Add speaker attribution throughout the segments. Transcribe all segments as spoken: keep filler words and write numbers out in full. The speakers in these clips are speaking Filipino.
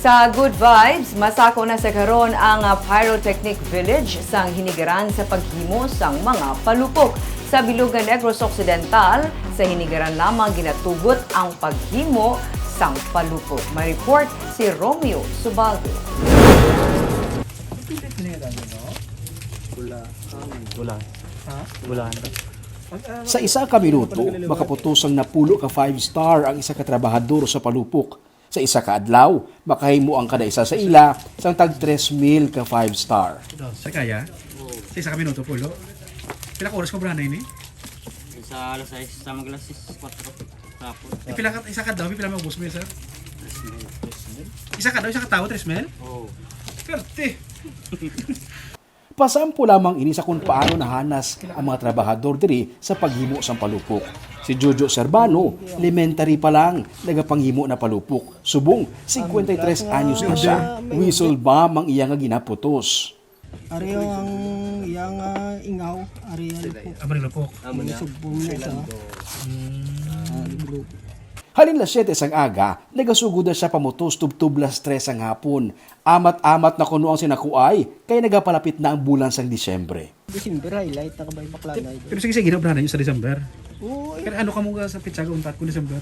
Speaker 1: Sa Good Vibes, masako na sa karon ang ah, Pyrotechnic Village sang hinigaran sa paghimo sang mga palupok. Sa Bilugan Negros Occidental, sa hinigaran lamang ginatugot ang paghimo sang palupok. May report si Romeo Subago.
Speaker 2: Wala. Wala.
Speaker 3: Sa isa ka minuto, makaputosang napulo ka five star ang isa ka trabahador sa palupok. Sa isa ka adlaw, makahimo ang kada isa sa ila sang tag tres mil ka five star.
Speaker 4: Sa kaya? Sa isa ka minuto, pulo? Pila ka oras ko brana ini?
Speaker 2: Sa alas sais, sa maglas four tapos.
Speaker 4: Eh, pila ka, isa ka daw, pila mo ubos mo yun, sir? Isa ka daw, isa ka tao, tres mil?
Speaker 2: Oo.
Speaker 4: Kerte!
Speaker 3: Pasampo lamang ini sa kung paano nahanas ang mga trabahador diri sa paghimo sang palupok. Si Jojo Servano, elementary pa lang, nagapanghimo na palupok. Subong, fifty-three anyos na siya. Whistle bomb ang iya nga ginaputos.
Speaker 5: Ari ang iyang uh, ingaw, ari ang po.
Speaker 4: Aba nila po.
Speaker 5: Sugbong na sa ah, grupo.
Speaker 3: Halin las siyete sang aga, nagasugod na siya pamutos tubtub las tres ang hapon. Amat-amat na kuno ang sinakuay, kaya nagapalapit na ang bulan sang Disyembre.
Speaker 5: December highlight na kabay bakla na ito.
Speaker 4: Pero sige, sige, ginabrana yun sa December.
Speaker 5: Oo,
Speaker 4: Pero ano ka mo sa pitsaga untat ko December?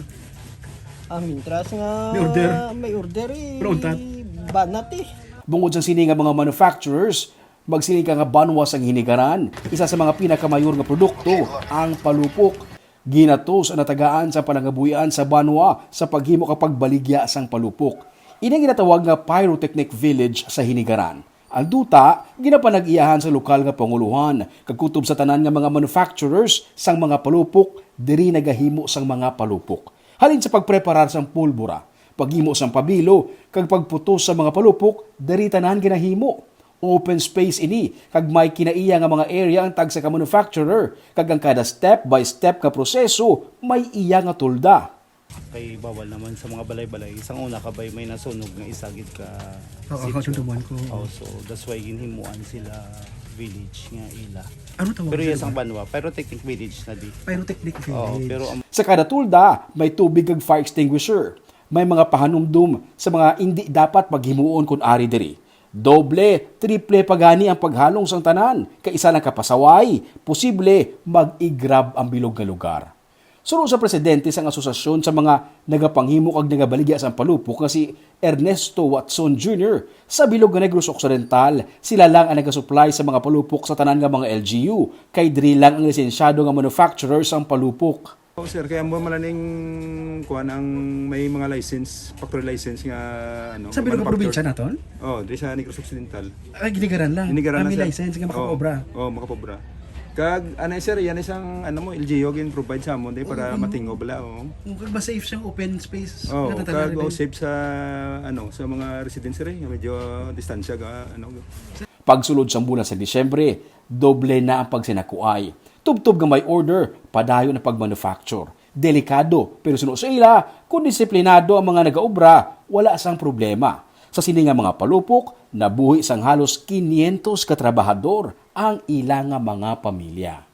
Speaker 5: ah, mintras nga
Speaker 4: May order.
Speaker 5: may order eh.
Speaker 4: Pero untat?
Speaker 5: Banat eh.
Speaker 3: Bungod sa sini nga mga manufacturers, magsiling ka nga banwas ang hinigaran. Isa sa mga pinakamayor nga produkto, ang palupok. Ginatos ang natagaan sa panangabuyan sa banwa sa paghimo kapag baligya sang palupok. Ini ginatawag nga Pyrotechnic Village sa hinigaran. Ang duta, ginapanag-iyahan sa lokal nga panguluhan, kagkutob sa tanan nga mga manufacturers sang mga palupok, diri nagahimo sang mga palupok. Halin sa pagpreparar sang pulbura, paghimo sang pabilo, kag pagputos sa mga palupok, diri tanan ginahimo. Open space ini, kag may kinaiya nga mga area ang tag sa ka-manufacturer, kag ang kada step by step ka proseso, may iya nga tulda.
Speaker 6: Kay bawal naman sa mga balay-balay. Isang una kabay may nasunog nga isagid ka
Speaker 4: Oo, ako
Speaker 6: sitio.
Speaker 4: tuntubuan ko.
Speaker 6: Oh, so that's why ginhimuan sila village nga ila.
Speaker 4: Ano tawag?
Speaker 6: Pero
Speaker 4: sir?
Speaker 6: yes ang banwa, pyrotechnic village na di.
Speaker 4: Pyrotechnic
Speaker 6: Oh,
Speaker 4: Village.
Speaker 6: pero ang
Speaker 3: Sa kada tulda, may tubig kag fire extinguisher. May mga pahanumdum sa mga hindi dapat paghimuon kun ari diri. Doble, triple pagani ang paghalong sang tanan. Kaisa lang kapasaway, posible mag-igrab ang bilog nga lugar. Suro sa presidente sang asosasyon sa mga nagapanghimo kag nagabaligya sang palupok nga si Ernesto Watson Junior Sa Bilog nga Negros Occidental, sila lang ang nagasupply sa mga palupok sa tanan nga mga L G U, kay diri lang ang lisensyado nga manufacturer sang palupok.
Speaker 7: Oh, sir, kaya mo malaning kuan ang may mga license, factory license nga ano.
Speaker 4: Sa Bilog
Speaker 7: manufacturer.
Speaker 4: probinsya naton?
Speaker 7: Oh, di sa Negros Occidental.
Speaker 4: Ay, ginigaran lang.
Speaker 7: Inigaran
Speaker 4: Kami
Speaker 7: na, sir.
Speaker 4: license, nga makapobra.
Speaker 7: Oh, oh, makapobra. Kag ano sir, yan isang ano mo L G U gin provide sa mo di para matingo bala oh.
Speaker 4: Kung ba safe siyang open space.
Speaker 7: Oh,
Speaker 4: natatala
Speaker 7: kag
Speaker 4: rin.
Speaker 7: oh, safe sa ano sa mga residents rin, medyo distansya ga ano.
Speaker 3: Pagsulod sa bulan sa Disyembre, doble na ang pagsinakuay. Tubtob nga may order, padayon na pagmanufacture. Delikado, pero suno sa ila, kung disiplinado ang mga nagaobra, wala sang problema. Sa sininga mga palupok, nabuhi sang halos five hundred ka trabahador ang ilang mga pamilya.